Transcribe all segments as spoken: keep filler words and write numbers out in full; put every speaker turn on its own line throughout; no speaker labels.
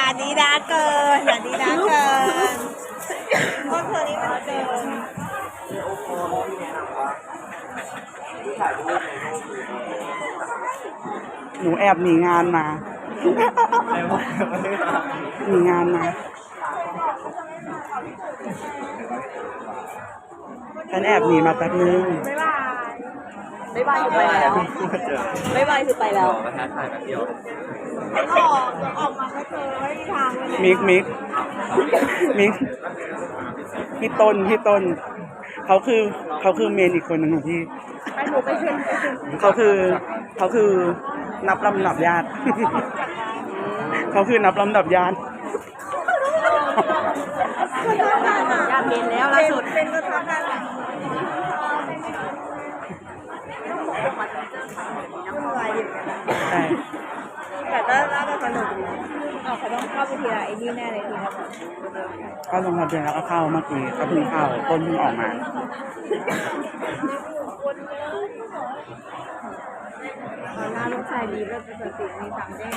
อย่าดีด้าเกินอย่าดีด้าเกินพวกเธอนี่มันเกิน
หนูแอบหนีงานมาหนีงานมาฉันแอบหนีมาแป๊บนึง
บ๊ายบายบ๊ายบายอยู่ไปแล้วบ๊ายบายคือไปแล้ว
มาท้าทายแบบเดียว
ออกออกมาก็เจอไม่มีทางเลย
มิกมิกมิกพี่ต้นพี่ต้นเขาคือเขาคือเมนอีกคนหนึ่งของพี่
ไปหนูไปเชิญไปเชิญ
เขาคือเขาคือนับลำดับญาติ เขาคือนับลำดับญาติ
ญาติเมนแล้วล่าสุดเป็นประธานการ
ใช่
แต่ก็น่าจะสนุกดีอ๋อเขาต้องเข้าไปทีละไอ้นี่แน่เลยทีละ
ก็ลงทะเบียนแล้วก็เข้าเมื่อกี้ก็เพิ่งเข้าต้นเพิ่งออกมา
ตอนหน้าลูกชายดีก็จะเกิดสิ่งมีสามเด้ง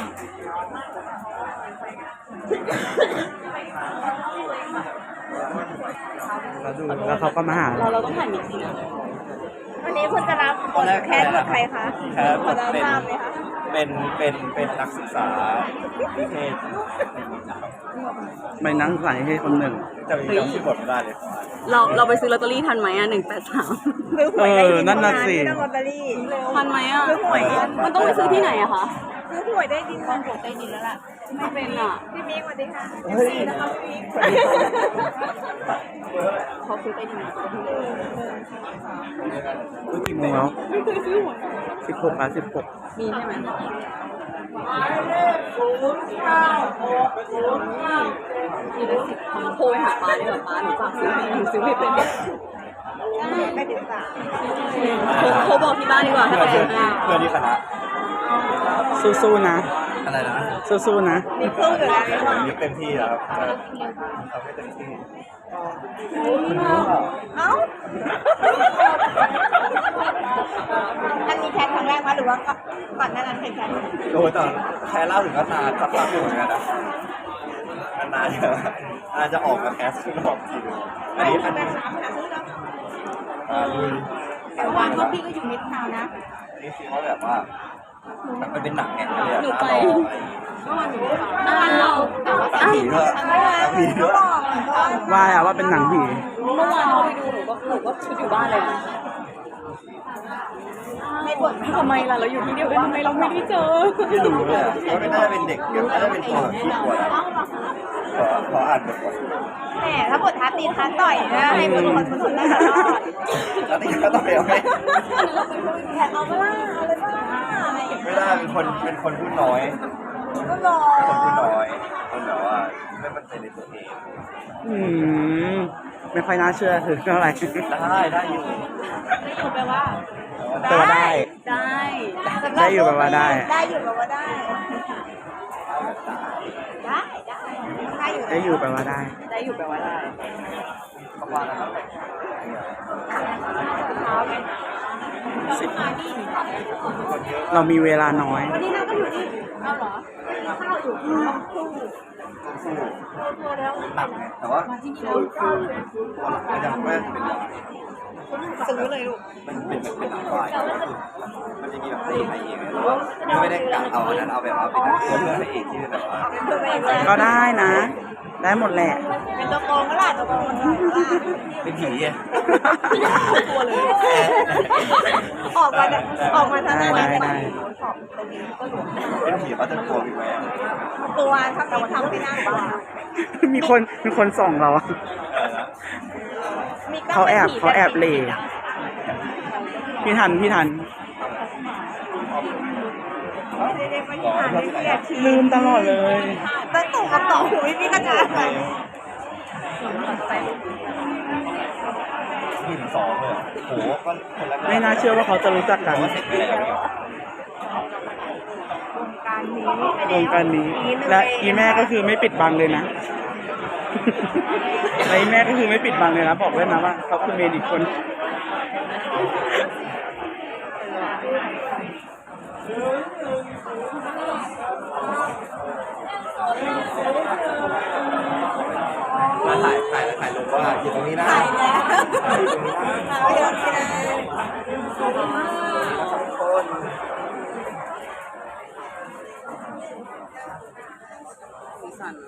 แล้วดูแล้วเขาก็มาหา
เราเราต้องถ่ายมิกซ์นะวันนี้คุณจะรับบทแคสบทใครคะ
แคส
พอจะ
เป็น
ทราบไหมคะ
เป็นเป็นเป็นนักศึกษานิเทศ
ไม่นั่งใส่ให้คนหนึ่ง
จะมีจำชื่อบทไม่ได้เลยของ
เราเราไปซื้อลอตเตอรี่ทันไหมอ่ะหนึ่งแปดสาม
ซื้อหวยได้ดิน
นั่นน่ะสิ
ไม่ต้องลอตเตอรี่
ทันไหมอ่ะ
ซื้อหวย
มันต้องไปซื้อที่ไหนอะคะ
ซื้อหวยได้ดินคนหวยได้ดินแล้วล่ะ
ไม่เป็นอ่ะ
พี่มิ้งสวัสดีค่ะดีนะคะพี่มิ้ง
เขาซื้อไปดีไหม
รู้กี่โมงแล้วสิบหกอ่ะสิบหก
มีใช่ไหมมีได้สิบคำโทรไปหาป้าดีกว่าป้าหนูฝากซื้อให้หนูซื้อไม่เป็น
ไม่ถึงสาม
โทรบอกที่บ้านดีกว่าให้
เพื่อ
เขา
น
ซื้อให้
เพื่อนที่คณะ
สู้ๆนะ
อะไรนะ
สู้ๆนะ
มีสู้อยู่แล้ว
มีเต็มที่แล้วครับทำให้เต็มที่
เอ้าอันนี้แคสครั้งแรกมั้ยหรือว่าก่อนหน้านั้นเคยแคส
โอ้ยตอนแค่เล่าถึงก็นานสักพักอยู่เหมือนกันนะนานๆอาจจะออกมาแคสขึ้นรอบทีนึงอันนี้อันนี้อ่าลุย
แต่ว่าก็พี่ก็อยู่มิดทาวน์นะ
อันนี้คือเขาแบบว่ามันเป็นหนังไงเลย
หนู
อะ
ไป
ตาหล่อ
เมื่อวานหนูไปอ่าเราแต่ว่า
ตาผีด้วยตาผีด้วย
ว่าแล้วว่าเป็นหนังผี
เมื่อวานเราไปดูหนูก็หนูก็ชุดอยู่บ้านเลยนะ
ในบท
ทำไมล่ะเราอยู่ที่เดียวกันทำไมเราไม่ได้เจอ
ไม่รู้เลยอะเขาไม่น่าจะเป็นเด็กเดี๋ยวน่าจะเป็นตัวแบบขี้กลัวนะขอขออ่านบทก่อน
แหมถ้าบทท้าตีท้าต่อยนะให้บทคนคนน่าจะรอด
แล้วนี่ก็ต้องไปเอาไหม
แขกเอาไปล่าเอาเลยล่าอะไรอย่าง
ไม่
เงี้ย
ได้เป็นคนเป็นคนพูดน้อย
ก็รอ
คนพูดน้อยคนแบบว่าไม่มั่นใจในตัวเอง
อืมไม่ค่อยน่าเชื่อถือเท่าไหร่
ได้ได้อยู่
ไม่อยู่แปลว่า
แต่ว่าได้
ได้
ได้อยู่แปลว่าได้
ได้อยู่แปลว่าได้ ได้ได้ได้อยู่
ได้อยู่แปลว่าได้
ได้อยู่แปลว่าได้
ประมาณนั้น
สิบเรามีเวลาน้อย
วันนี้นางก็อยู่นี่เอาเหรอข้าวอยู่ที่ห้องคู่
หนักไงแต่ว่าคือคือตัวหลักก็ยังไม่เป็นหลัก
ซื้อเลยลูก
มันเป็นเป็นหนังฝ่ายมันจะมีแบบตีให้เองไม่ได้กะเอาอันนั้นเอาแบบว่าเป็นตัวเลือกให้เองที่แบบว่า
เพื่อไปเองเลย
ก็ได้นะ ได้หมดแหละ
เป็นตัวโกงก็ล่ะตัวโกงมันก็ล่ะ
เป็นผีไง
ตัวเลยออกมาออกมาทางนั้น
ได้ได้
เป็นผีเขาจะกลัวผีไหม
ตัวถ้าเราทำไม่น่าบ้า
มีคนมีคนส่องเราอะ
เออนะ
เขาแอบเขาแอบเหล่พี่ทันพี่ทัน
เด็กๆไม่ได้อ่านไม่ได้ที
ลืมตลอดเลย
ตั้งตุ่มกับต่อหูไม่มีกระจาย
หนึ่งสองเลยโหก็คนละ
ไม่น่าเชื่อว่าเขาจะรู้จักกัน
ว่าเสร็จไปแล้ว
การนี้
วงการนี้ และอีแม่ก็คือไม่ปิดบังเลยนะ และอีแม่ก็คือไม่ปิดบังเลยนะบอกเลยนะว่าเขาคือเมนอีกคน
ว่าอยู่ตรงนี้นะ
ถ่ายแล้ว
อยู่ตรงนี้นะ
ถ่ายไว้เดี๋ยวนี้นะ
คน
สีสัน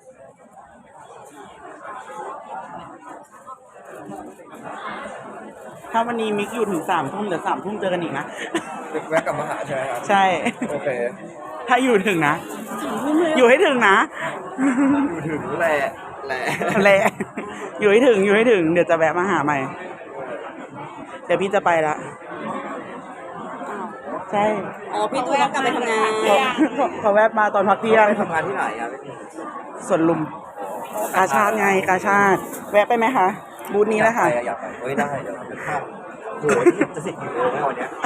ถ้าวันนี้มิกอยู่ถึงสามทุ่มเดี๋ยวสามทุ่มเจอกันอีกนะ
แวะกลับมาหาใช่ไหมครับ
ใช่
โอเค
ถ้าอยู่ถึงนะ อยู่ให้ถึงนะ
อยู่ถึงแหละแหละ
แหละอยู่ให้ถึงอยู่ให้ถึง เดี๋ยวจะแวะมาหาใหม่ เดี๋ยวพี่จะไปละใช่
อ๋อพี่ตูนต้องกลับไปทำงาน
เขาเขาแวะมาตอนพักเที่ยง
ไปทำงานที่ไหนอ่ะพี่
ส่วนลุมกาชาติไงกาชาติ แวะไปไหมคะ บูธนี้แหละค่ะ
อยากไปเฮ้ยได้เดี๋ยวเราไปข้ามโหจะสิบกิโลไหมวันเนี้ย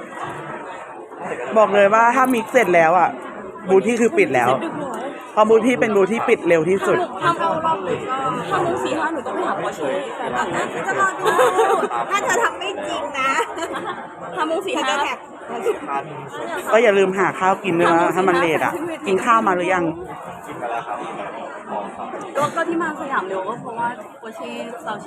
บอกเลยว่าถ้ามิกเสร็จแล้วอ่ะ บูธที่คือปิดแล้ว เพราะบูธที่เป็นบูธที่ปิดเร็วที่สุด
ถ้าเอารอบหนึ่งก็ถ้ามุ้งสี่ห้าหนูต้องไปหาปอเช่แฟนคลับนะ
จะรอดูถ้าเธอทำไม่จริงนะ
ถ้ามุ้งสี่
เธอ
ห้า
จะแท็ก
พัน
ก็อย่าลืมหาข้าวกินด้วยนะถ้ามันเลทอ่ะ กินข้าวมาหรือยัง
กินมาแล้วครับของครับ
ก็ก็ที่มาสยามเร็วก็เพราะว่าปอเช่ซาวเช่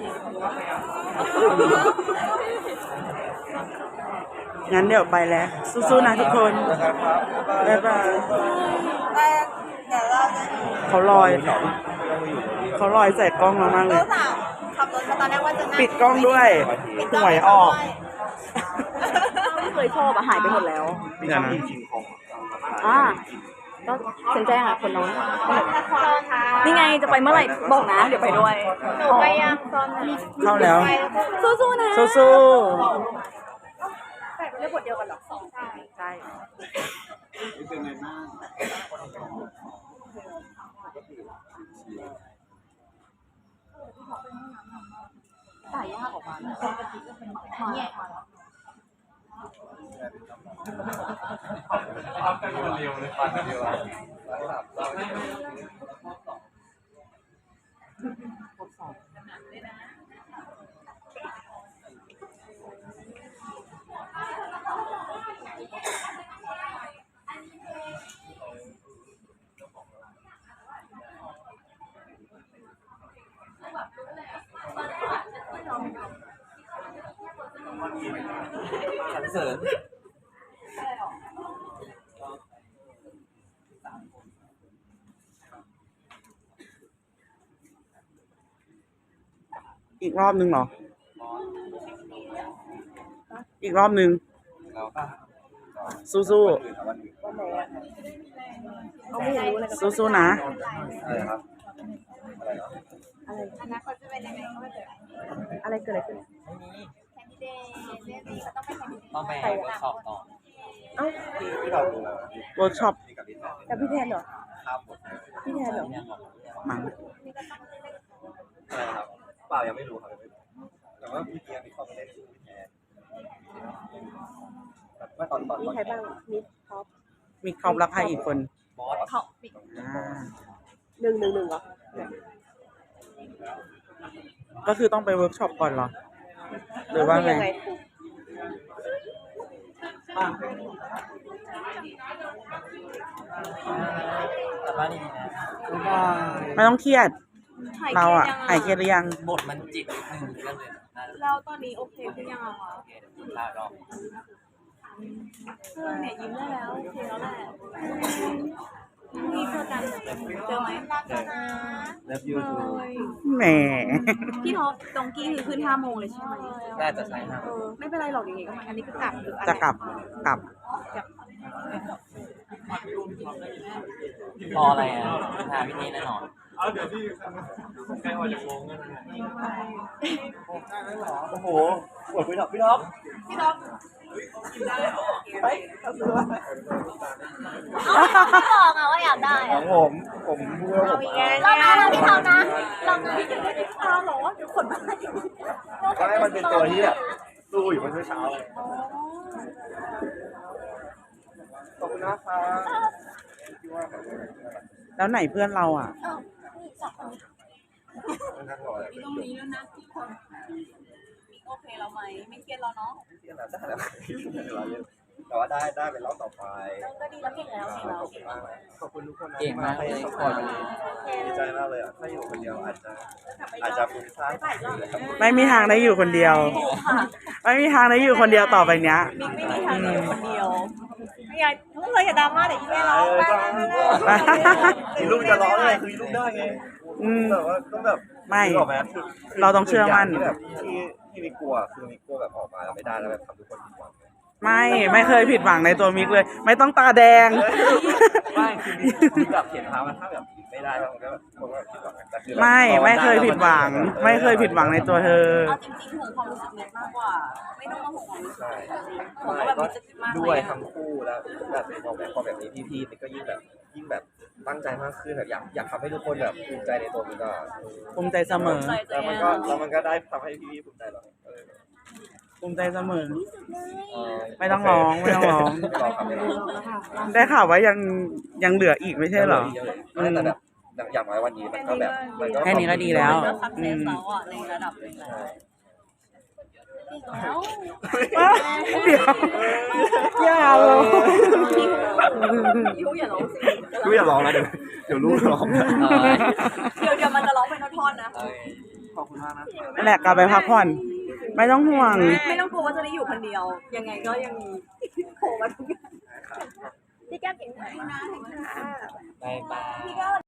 งั้นเดี๋ยวไปแล้ว สู้ๆนะทุกคน
แล้วกันครับ
บ๊ายบาย
แต่เดี๋ยวเราจะ
เขาลอย เขาลอยใส่กล้องเรามากเล
รู้
ย
สาวขับรถมาตอนแรกว่าจะนั่ง
ปิดกล้องด้วย
ปิด
หวยออก
ไม่เคยชอบอะหายไปหมดแล้ว
มีน้ำกินชิงของ
อ่าก็เซ็นแจ้งอะคนน้องนี่ไงจะไปเมื่อไหร่บอกนะ เดี๋ยวไปด้วย
หนูไปยังตอนไหน
เข้าแล้ว
สู้ๆนะ
สู้
แต่เรื่องบทเดียวกันหรอสองใช่
ๆใช่
สายยากออกมาเนี่ย
สรรเสริญ
อีกรอบนึงเหรอ อีกรอบนึง
แล้วก็
สู้
เอาไม่รู้เลย
ๆสู้ๆนะ
อะไรครับอะไรเหรอ
อนาคตจะเป็นยังไงก็ไม่เจอ
อะไรเกิดอะไรขึ้น
แคนดิเดตเรื่องนี้ก็ต้องไปแคนดิเดต
ต้องไปเวิร์กช็อปต่อเอ้าที่เราดูแล้ว
เวิร์กช็อป
นี่กับพี่แทน
กับพี่แทนเหรอ
ข้ามหมดเลย
พี่แทนเหรอ
มั้ง
อะไรครับเปล่ายังไม่รู้ครับยังไม่รู้แต่ว่าพี่เกียร์มีข้อมูลเล่นชื่อพี่แทนแบบเมื่อตอนตอน
มีใครบ้างมิดท็อป
มีเขารักใครอีกคน
บอส
เขา
อ่า
หนึ่งหนึ่งหนึ่งเหรอ
ก็คือต้องไปเวิร์กช็อปก่อนเหรอ หรือว่าไง
แต่ว่านี่นะ
ไม่ต้องเครียด เราอ่ะหายเครียดหรือยัง
บทมันจิตนิดนึงก็เลยน่าจะ
แล้วตอนนี้โอเคขึ้นยังอะคะ
โอเคเดี๋ยวกินข้าวรอบ
เพื่อนเนี่ยยิ้มได้แล้วโอเคแล้วแหละมีเพื่อนกันเจอไหม
เลิฟยูทู
แหม
พี่ท็อปตรงกี้คือขึ้นห้าโมงเลยใช่ไหม
น่าจะใช่ครับ
เออไม่เป็นไรหรอกยังไงก็มาอันนี้คือกลับหรืออัน
จะ
ไหน
กลับ กลับ
พออะไรอ่ะหาวิธีแน่นอน โอ้โหปวดพี่ท็อปพี่ท็อป
พี่ท็อป
ไป
บอกอะว่าอยากได้
ของผมผมพูดว่าผม
เรานะเราพี่ท็อปนะเรานะ
ตาหรอเดี๋ยวขนมา
ก็ให้มันเป็นตัวที่แบบสู้อยู่เมื่อเช้าเลยขอบคุณนะครับ
แล้วไหนเพื่อนเราอ่ะ
นั่งรอเลย
มีตรงนี้แล้วนะที่คนมีโอเคเราไหมไม่เครียดเราเนาะ
ที่อันนั้นได้แล้วเราแต่ว่าได้ได้เป็นรอบต่อไป
ก็ดีแล้วเก่งแล้วเก่งแล้ว
ขอบคุณมากเลยขอบคุณทุกคนนะ
เก่งมากเลย
ให้สปอร์ตวันนี้ดีใจมากเลยอ่ะถ้าอยู่คนเดียวอาจจะอาจจะฟุ้งซ่านนะครับ
ไม่มีทางได้อยู่คนเดียว ไม่มีทางได้อยู่คนเดียวต่อไปเนี้ย
มิกไม่มีทางอยู่คนเดียวไม่อยากทุกคนอย่าดราม่าเดี๋ยวอีเมลร้องไปไปไป
มีลูกจะร้องอะไรคือมีลูกได้ไง
อืม
แต่ว่าก็แบบ
ไม่
นึกออกไหมคือ
เราต้องเชื่อมั่น
ที่แบบที่ที่มีกลัวคือมีกลัวแบบออกมาแล้วไม่ได้แล้วแบบทำทุกคนผิดหวัง
ไม่ไม่เคยผิดหวังในตัวมิกเลย ไม่ต้องตาแดง
ไม่คือมีแบบเขียนพามันถ้าแบบไม่ได้แล้วมันก็มันก็ผิดหวังแต่คือเรา
ไม่ไม่เคยผิดหวัง ไม่เคยผิดหวังในตัวเธอ
เอาจริงๆห่วงความรู้สึกเน็ตมากกว่า ไม่ต้องมาห่วงความรู้สึก
ใช่
ผม
ไม่
ก็แบบ
ก็
มีจะคิดมาก
ด้
เล
วย
ย
ทั้งคู่แล้วแบบพอแบบพอแบบนี้พี่ๆมันก็ยิ่งแบบยิ่งแบบตั้งใจมากขึ้นแบบอยากอยากทำให้ทุกคนแบบภูมิใจในตัวมันก็
ภูมิใจเสมอ
แล้วมันก็แล้วมันก็ได้ทำให้พี่ๆภูมิใจเราเออ
ภูมิใจเสมอ
เออ
ไม่ต้องร้องไม่ต้องร้อง
ไม่ร้องครับไม่ร้อง
ได้ข่าวว่ายังยังเหลืออีกไม่ใช่เหรอ
ไม่แต่แบบอย่างน้อยวันนี้มันก็แบบมันก็
แค่นี้ก็ดีแล้ว
ก็สักเซสแล้วอ่ะในระดับหนึงแล้วแล้ว
เดี๋ยวอย่าเลย
ยูอย่าร้องสิ
ลูกอย่าร้องนะเดี๋ยวเดี๋ยวลูกร้อง
เดี๋ยวเดี๋ยวมันจะร้องเป็นท่อนๆนะ
ขอบคุณมากนะ
นั่นแหละกลับไปพักผ่อน ไม่ต้องห่วง
ไม่ต้องกลัวว่าจะได้อยู่คนเดียว ยังไงก็ยังมีโผล่มาทุกอย่างพี่แก้มเก่งมากนะ
บายบาย
พี่แก้ม